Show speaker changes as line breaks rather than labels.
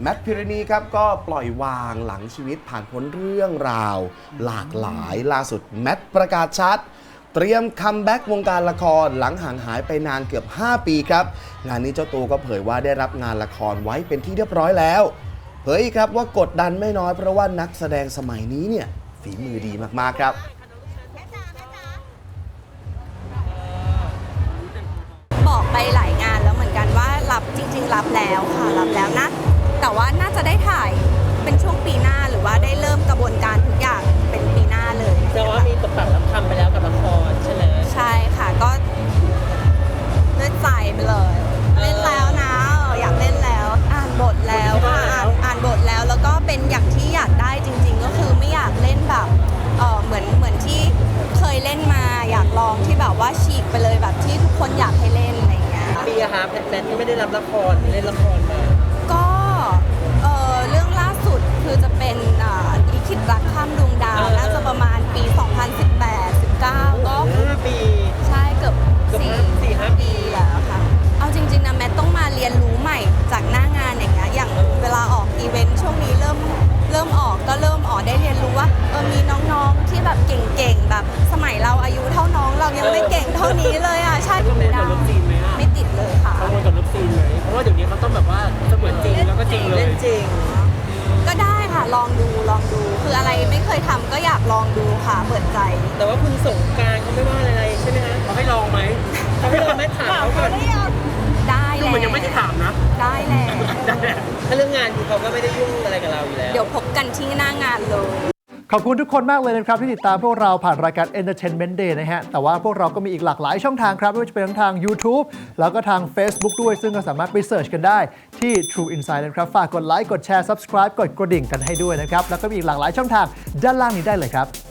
แมทพิรณีครับก็ปล่อยวางหลังชีวิตผ่านพ้นเรื่องราวหลากหลายล่าสุดแมทประกาศชัดเตรียมคัมแบ็กวงการละครหลังห่างหายไปนานเกือบ5 ปีครับงานนี้เจ้าตัวก็เผยว่าได้รับงานละครไว้เป็นที่เรียบร้อยแล้วเผยครับว่ากดดันไม่น้อยเพราะว่านักแสดงสมัยนี้เนี่ยฝีมือดีมากๆครับ
บอกไปหลายงานแล้วเหมือนกันว่ารับจริงๆรับแล้วค่ะรับแล้วนะแต่ว่าน่าจะได้ถ่ายเป็นช่วงปีหน้าหรือว่าได้เริ่มกระบวนการทุกอย่างเป็นปีหน้าเลย
แต่ว่ามีตกแต่งรับทำไปแล้วกับละครใช่ไหม
ใช่ค่ะก็เลือดใจไปเลยเล่นแล้วนะอยากเล่นแล้วอ่านบทแล้วค่ะอ่านบทแล้วแล้วก็เป็นอย่างที่อยากได้จริงๆก็คือไม่อยากเล่นแบบเหมือนที่เคยเล่นมาอยากลองที่แบบว่าฉีกไปเลยแบบที่ทุกคนอยากให้เล่นอะไรอย่างเงี้ย
ปีอะคะแมทที่ไม่ได้รับละครเล่นละครมา
ก็เรื่องล่าสุดคือจะเป็นลิขิตรักข้ามดวงดาวน่าจะประมาณปี 2018-19 ก็
5 ปี
ใช่เกือบ4-5 ปีแล้วค่ะเอาจริงๆนะแมทต้องมาเรียนรู้ใหม่จากหน้างานอย่างเงี้ยอย่างเวลาออกอีเวนต์ช่วงนี้เริ่มออกได้เรียนรู้ว่ามีน้องๆที่แบบเก่งๆแบบสมัยเราอายุเท่าน้องเรายังไม่เก่งเท่านี้เลยอ่ะใช่
ไม่ติดกับเลิฟซีนไหม
ไม่ติดเลยค่ะ
กังวลกับเลิฟซีนไหมเพราะว่าเดี๋ยวนี้เขาต้องแบบว่าเสมือนจริงแล้วก็จริงเลยเล่นจริง
ก็ได้ค่ะลองดูคืออะไรไม่เคยทำก็อยากลองดูค่ะเปิดใจ
แต่ว่าคุณสงกรานต์เขาไม่ว่าอะไรใช่ไหมฮะเขาให้ลองไหมเขาให้ลองไหมถามเขาก่อน
ได้แล้ว
มันยังไม่ได้ถามนะ
ได้แล้ว
ถ้าเรื่องงานคือเขาก็ไม่ได้ยุ่งอะไรกับเราอยู่แล้ว
เดี๋ยวพบกันที่หน้างานเลย
ขอบคุณทุกคนมากเลยนะครับที่ติดตามพวกเราผ่านรายการ Entertainment Day นะฮะแต่ว่าพวกเราก็มีอีกหลากหลายช่องทางครับไม่ว่าจะเป็นทั้งทาง YouTube แล้วก็ทาง Facebook ด้วยซึ่งก็สามารถไปเสิร์ชกันได้ที่ True Insight นะครับฝากกดไลค์กดแชร์ Subscribe กดกระดิ่งกันให้ด้วยนะครับแล้วก็มีอีกหลากหลายช่องทางด้านล่างนี้ได้เลยครับ